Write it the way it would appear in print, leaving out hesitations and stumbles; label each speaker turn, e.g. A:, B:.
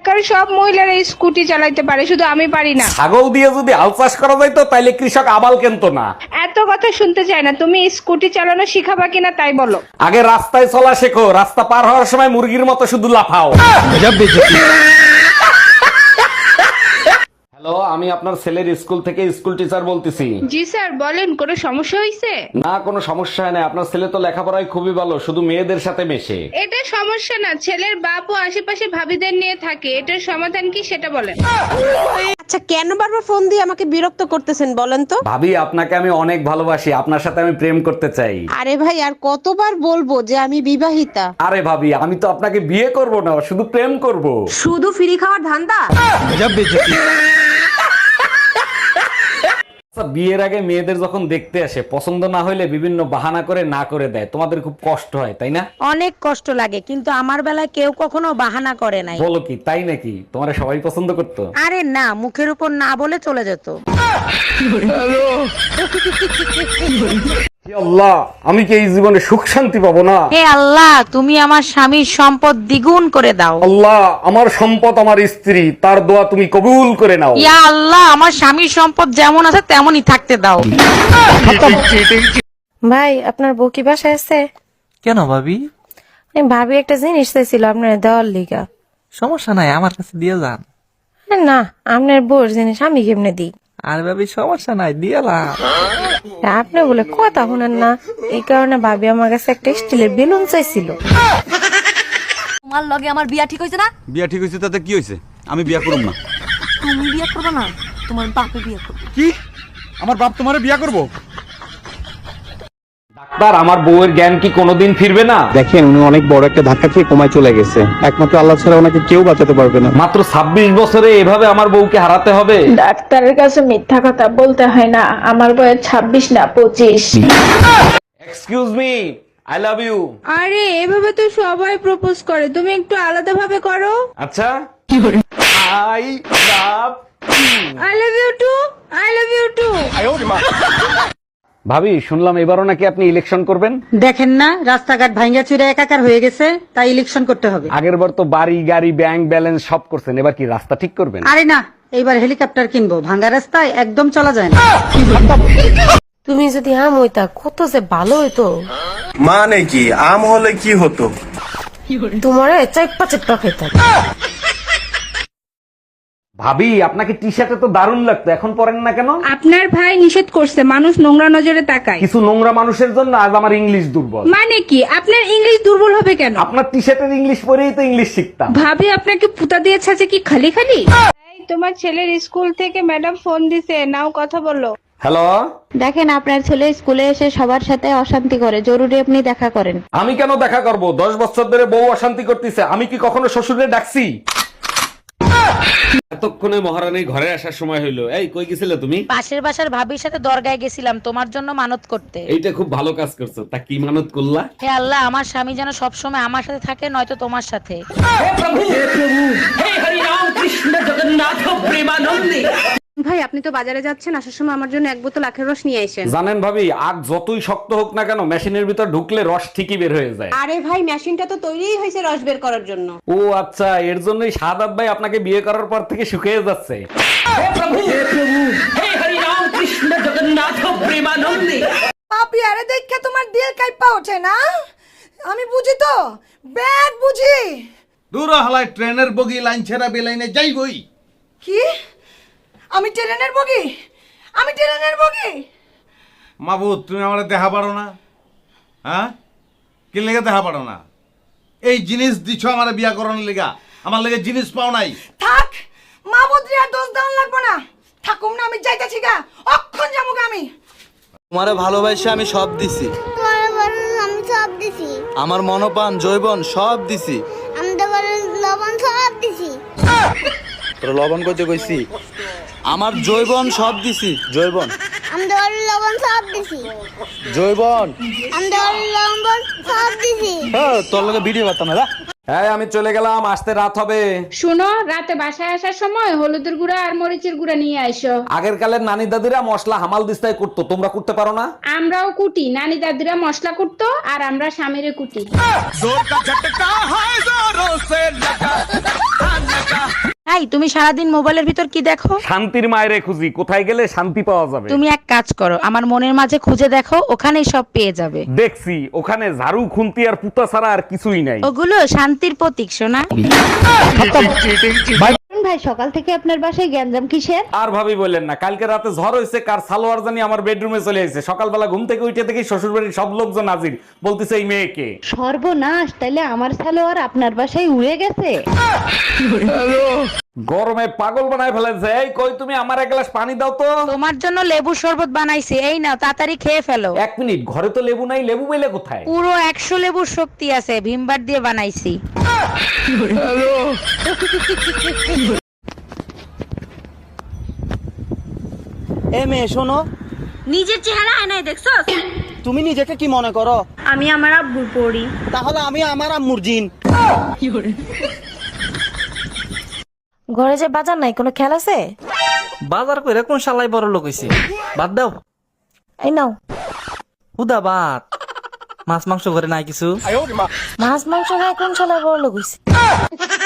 A: এলাকার সব মহিলারা স্কুটি চালাইতে পারে, শুধু আমি পারি না।
B: ছাগল দিয়ে যদি হাল চাষ করা যাইতো তাইলে কৃষক আবাল কেনতো না।
A: এত কথা শুনতে চাই না, তুমি স্কুটি চালানো শিখাবা কিনা তাই বলো।
B: আগে রাস্তায় চলা শেখো, রাস্তা পার হওয়ার সময় মুরগির মতো শুধু লাফাও। হ্যালো, আমি আপনার ছেলের স্কুল থেকে স্কুল টিচার বলতেছি।
A: জি স্যার বলেন, কোনো সমস্যা হয়েছে?
B: না, কোনো সমস্যা হয় না। আপনার ছেলে তো লেখাপড়ায় খুবই ভালো, শুধু মেয়েদের সাথে মেশে।
A: এটা সমস্যা না, ছেলের বাপ ও আশেপাশে ভাবিদের নিয়ে থাকে। এটার সমাধান কি সেটা বলেন।
C: আচ্ছা, কেন বারবার ফোন দিয়ে আমাকে বিরক্ত করতেছেন বলেন তো?
B: ভাবি, আপনাকে আমি অনেক ভালোবাসি, আপনার সাথে আমি প্রেম করতে চাই।
C: আরে ভাই, আর কতবার বলবো যে আমি বিবাহিতা?
B: আরে ভাবি, আমি তো আপনাকে বিয়ে করব না, শুধু প্রেম করব।
C: শুধু ফ্রি খাওয়ার ধান্দা?
B: আচ্ছা, বিয়ের আগে মেয়েদের যখন দেখতে আসে, পছন্দ না হইলে বিভিন্ন বাহানা করে না করে দেয়, তোমাদের খুব কষ্ট হয় তাই না?
C: অনেক কষ্ট লাগে, কিন্তু আমার বেলায় কেউ কখনো বাহানা করে নাই।
B: বলো কি, তাই নাকি? তোমার সবাই পছন্দ করতো?
C: আরে না, মুখের উপর না বলে চলে যেত।
B: হে আল্লাহ, আমি কি এই জীবনে সুখ শান্তি পাবো না?
C: হে আল্লাহ, তুমি আমার স্বামীর সম্পদ দ্বিগুণ করে দাও।
B: আল্লাহ, আমার সম্পদ আমার স্ত্রী, তার দোয়া তুমি কবুল করে নাও।
C: ইয়া আল্লাহ, আমার স্বামীর সম্পদ যেমন আছে তেমনই থাকতে দাও।
D: ভাই, আপনার বউ কি বাসায় আছে?
E: কেন ভাবি?
D: ভাবি একটা জিনিস চাইছিল আপনার দেওয়ার লিগা।
E: সমস্যা নাই, আমার কাছে দিয়ে যান।
D: না, আপনার বউর জিনিস আমি কেমনে দিই?
E: আর ভাবি সমস্যা নাই, দিয়ালাম।
D: আপনি বলে কথা শুনেন না, এই কারণে ভাবি আমার কাছে একটা স্টিলের বেলুন চাইছিল।
F: তোমার লগে আমার বিয়া ঠিক হয়েছে না?
G: বিয়া ঠিক হয়েছে তাতে কি হয়েছে? আমি বিয়া করব না।
F: তুমি বিয়া করবে না, তোমার বাপে বিয়া করবে।
G: কি? আমার বাপ তোমারে বিয়া করব?
B: ডাক্তার, আমার বউয়ের জ্ঞান কি কোনোদিন ফিরবে না?
H: দেখেন, উনি অনেক বড় একটা ধাক্কা খেয়ে কমায় চলে গেছে। একমাত্র আল্লাহ ছাড়া ওনাকে কেউ বাঁচাতে পারবে না।
B: মাত্র 26 বছরে এভাবে আমার বউকে হারাতে হবে?
I: ডাক্তারের কাছে মিথ্যা কথা বলতে হয় না, আমার বয়স 26 না 25।
B: Excuse me, I love you.
A: আরে এভাবে তো সবাই প্রপোজ করে, তুমি একটু আলাদা ভাবে করো।
B: আচ্ছা, I love
A: I love you too, I love you too.
B: ভাবি, শুনলাম এবারও নাকি আপনি ইলেকশন করবেন।
C: দেখেন না, রাস্তাঘাট ভাঙ্গা চুরে একাকার হয়ে গেছে, তাই ইলেকশন করতে হবে।
B: আগের বার তো বাড়ি গাড়ি ব্যাংক ব্যালেন্স সব করছেন, এবার কি রাস্তা ঠিক করবেন?
C: আরে না, এইবার হেলিকপ্টার কিনবো, ভাঙ্গা রাস্তায় একদম চলা যায় না।
D: তুমি যদি আম হইতা কত যে ভালো হইতো।
J: মানে কি, আম হলে কি হতো?
D: তোমারে চাইপা চাইপা খাইতাম।
B: ভাবি, আপনাকে টি শার্টে তো দারুণ লাগতো, এখন পরেন না কেন?
A: আপনার ভাই নিষেধ করছে, মানুষ নোংরা নজরে তাকায়।
B: কিছু নোংরা মানুষের জন্য আজ আমার ইংলিশ দুর্বল।
A: মানে কি, আপনার ইংলিশ দুর্বল হবে কেন?
B: আপনার টি শার্টের ইংলিশ পরেই তো ইংলিশ শিখতাম।
A: ভাবি আপনাকে পুতা দিয়েছে যে কি খালি খালি? এই, তোমার ছেলের স্কুল থেকে ম্যাডাম ফোন দিছে, নাও কথা বলো।
B: হ্যালো,
I: দেখেন, আপনার ছেলে স্কুলে এসে সবার সাথে অশান্তি করে, জরুরি আপনি দেখা করেন।
B: আমি কেন দেখা করব? 10 বছর ধরে বউ অশান্তি করতেছে, আমি কি কখনো শ্বশুরে ডাকছি? এতক্ষণে মহারানীর ঘরে আসার সময় হইলো। এই, কই গেছিলে তুমি?
C: পাশের বাসার ভাবির সাথে দরগায় গেছিলাম তোমার জন্য মানত করতে।
B: এইটা খুব ভালো কাজ করছো। তা কি মানত করলা?
C: হে আল্লাহ, আমার স্বামী যেন সবসময় আমার সাথে থাকে, নয়তো তোমার সাথে।
D: ভাই, আপনি তো বাজারে যাচ্ছেন, আসার সময় আমার জন্য এক বোতল আখের রস নিয়ে আসেন।
B: জানেন ভাবি, আগ যতই শক্ত হোক না কেন, মেশিনের ভিতর ঢুকলে রস ঠিকই বের হয়ে যায়।
D: আরে ভাই, মেশিনটা তো তৈরিই হয়েছে রস বের করার জন্য।
B: ও আচ্ছা, এর জন্যই শাহাদাত ভাই আপনাকে বিয়ে করার পর থেকে শুকিয়ে যাচ্ছে।
F: পাপি, আরে দেখে তোমার দিল কাইপা ওঠে না? আমি বুঝি তো, ব্যাড বুঝি।
J: দূর হালায় ট্রেনের বগি লাইন ছেড়া বেলাইনে যাইবই।
F: কি? আমি ট্রেনের বগি? আমি ট্রেনের বগি?
J: মাবুদ, তুমি আমার দেখা পারো না? হ্যাঁ, কি লেগে দেখা পারো না? এই জিনিস দিছ আমার বিয়া করানোর লেগা, আমার লেগে জিনিস পাও নাই।
F: থাক, মাবুদ রে আর দোষ দেওয়ান লাগবো না। থাকুম না, আমি যাইতেছি গা, অক্ষণ যাবো গা আমি।
E: তোমারে ভালোবাসে আমি সব দিছি,
I: আমি সব দিছি,
E: আমার মনপান জৈবন সব দিছি।
I: আমি তো লবণ সব দিছি।
E: তোর লবণ করতে কইছি? আমার জৈবন সব দিছি, জৈবন।
I: আমি তো লবণ সব দিছি।
E: জৈবন
I: আমি তো লবণ সব দিছি।
E: হ্যাঁ, তোর লগে ভিডিও করতাম না।
B: হ্যাঁ, আমি চলে গেলাম, আসতে রাত হবে।
A: শুনো, রাতে বাসায় আসার সময় হলুদের গুঁড়া আর মরিচের গুঁড়া নিয়ে আইসো।
B: আগের কালের নানি দাদিরা মশলা হামাল দিস্তায় করতো, তোমরা করতে পারো না?
A: আমরাও কুটি, নানি দাদিরা মশলা কুটতো আর আমরা স্বামীরে কুটি।
C: এই তুমি সারাদিন মোবাইলের ভিতর কি দেখো?
B: শান্তির মায়েরে খুঁজি, কোথায় গেলে শান্তি পাওয়া যাবে।
C: তুমি এক কাজ করো, আমার মনের মাঝে খুঁজে দেখো, ওখানেই সব পেয়ে যাবে।
B: দেখছি ওখানে ঝাড়ু খুন্তি আর পুতা ছাড়া আর কিছুই নাই।
C: ওগুলো শান্তির প্রতীক সোনা।
I: ভাই সকাল থেকে আপনার বাসায় গ্যাঞ্জাম কিসের?
B: আর ভাবি বললেন না, কালকে রাতে ঝড় হয়েছে, কার সালোয়ার জানি আমার বেডরুমে চলে এসেছে। সকালবেলা ঘুম থেকে উঠে দেখি শ্বশুর বাড়ির সব লোকজন হাজির, বলতেছে এই মেয়েকে।
I: সর্বনাশ, তাইলে আমার সালোয়ার আপনার বাসায় উড়ে গেছে।
B: গরমে পাগল বানায় ফেলেছে। এই কই তুমি, আমার এক গ্লাস পানি দাও তো।
C: তোমার জন্য লেবু শরবত বানাইছি, এই নাও তাড়াতাড়ি খেয়ে ফেলো।
B: 1 মিনিট, ঘরে তো লেবু নাই, লেবু পেলে কোথায়?
C: পুরো 100 লেবুর শক্তি আছে, ভিমবার দিয়ে বানাইছি।
E: এ মেয়ে শোনো,
A: নিজের চেহারা আয়নায় দেখছস?
E: তুমি নিজেকে কি মনে করো?
A: আমি আমার আব্বুর পড়ি।
E: তাহলে আমি আমার আম্মুর জিন।
D: ঘরে যে বাজার নাই, কোনো খেয়াল আছে?
E: বাজার কইরা কোন শালাই বড় লোক হইছে? বাদ দাও,
D: এই নাও।
E: হুদা বাদ, মাছ মাংস ঘরে নাই কিছু।
D: মাছ মাংস খায় কোন শালা বড় লোক হইছে?